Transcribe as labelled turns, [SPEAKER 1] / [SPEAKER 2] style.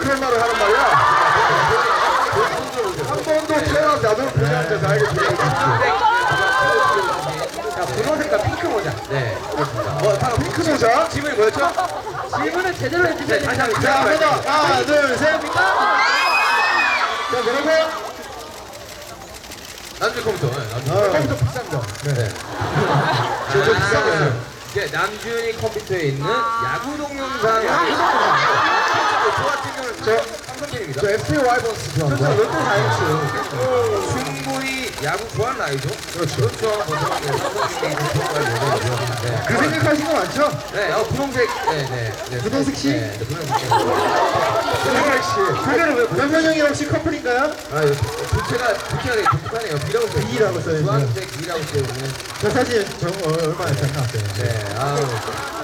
[SPEAKER 1] 그런 말을 하는 말이야? 한 번도 태어나서 나도 그녀한테서 알게 되는
[SPEAKER 2] 자, 분홍색과 핑크 모자. 네, 그렇습니다.
[SPEAKER 1] 핑크 모자?
[SPEAKER 2] 질문이 뭐였죠?
[SPEAKER 3] 질문을 제대로 해주셔야
[SPEAKER 2] 네, 다시
[SPEAKER 3] 됩니다.
[SPEAKER 2] 한번
[SPEAKER 1] 자, 한번 더. 하나, 둘, 셋. 자, 뭐라고요?
[SPEAKER 2] 남주 컴퓨터.
[SPEAKER 1] 컴퓨터 비싼 거.
[SPEAKER 2] 네.
[SPEAKER 1] 저 비싼 거예요.
[SPEAKER 2] 이제 남준이 컴퓨터에 있는 야구 동영상.
[SPEAKER 1] 저
[SPEAKER 2] 삼성팬입니다.
[SPEAKER 1] FA 와이번스 좋아합니다. 저 롯데 자이언츠.
[SPEAKER 2] 충분히 야구 좋아하는 나이죠?
[SPEAKER 1] 그렇죠.
[SPEAKER 2] 그렇죠. 네.
[SPEAKER 1] 그 생각하신 거 많죠?
[SPEAKER 2] 네, 분홍색. 네.
[SPEAKER 1] 분홍색 씨?
[SPEAKER 2] 네, 분홍색 씨.
[SPEAKER 1] 분홍색 씨. 그거는 왜 변변형이 혹시 커플인가요?
[SPEAKER 2] 아, 부채가 되게 독특하네요. B라고 써있어요.
[SPEAKER 1] B라고 써있네요.
[SPEAKER 2] 주황색 B라고 써있는.
[SPEAKER 1] 저 사진 얼마나 잘 나왔어요.
[SPEAKER 2] 네, 아우.